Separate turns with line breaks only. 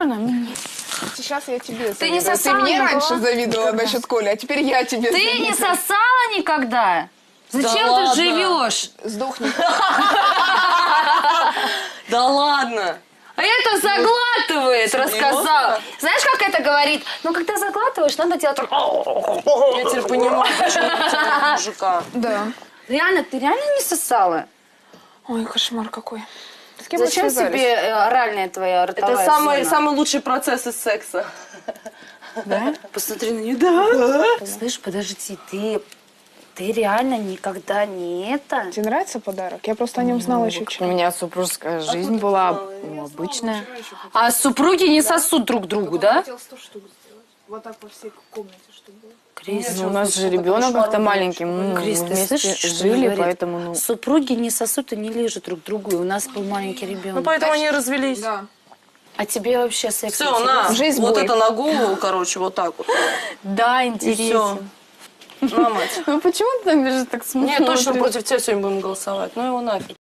Сейчас я тебе
Ты не
завидую.
сосала
Ты мне
никогда?
раньше завидовала насчет Коли, а теперь я тебе
Ты
завидую.
не сосала никогда? Зачем ты
ладно.
живешь?
Сдохни.
Да ладно.
А это заглатывает,
Серьезно?
рассказала. Знаешь, как это говорит? Ну, когда заглатываешь, надо делать так.
Я теперь понимаю, почему у тебя мужика.
Да.
Реально, ты реально не сосала?
Ой, кошмар какой. С кем мы
Зачем
связались?
тебе оральная твоя ротовая
Это самый,
зона?
самый лучший процесс из секса.
Да?
Посмотри на нее. Да. Слышь, подожди, ты реально никогда не это?
Тебе нравится подарок? Я просто о нем знала еще
У
вчера.
меня супружеская жизнь была обычная.
А супруги не сосут друг другу, да?
хотел 100 штук сделать. Вот так по всей комнате, чтобы было.
Крис,
Ну, у нас же ребенок как-то маленький, мы
Крис, ты
вместе
слышишь, что
жили,
говорит?
поэтому, ну...
Супруги не сосут и не лежат друг другу, и у нас был маленький
Ну,
ребенок.
поэтому они и развелись.
Да.
А тебе вообще секс
Все,
интересен?
на,
Жизнь
вот
бой.
это на голову, короче, вот так вот.
Да,
И все.
интересно.
На, мать.
Ну, почему ты так смотришь?
Не, точно против тебя сегодня будем голосовать. Ну его нафиг.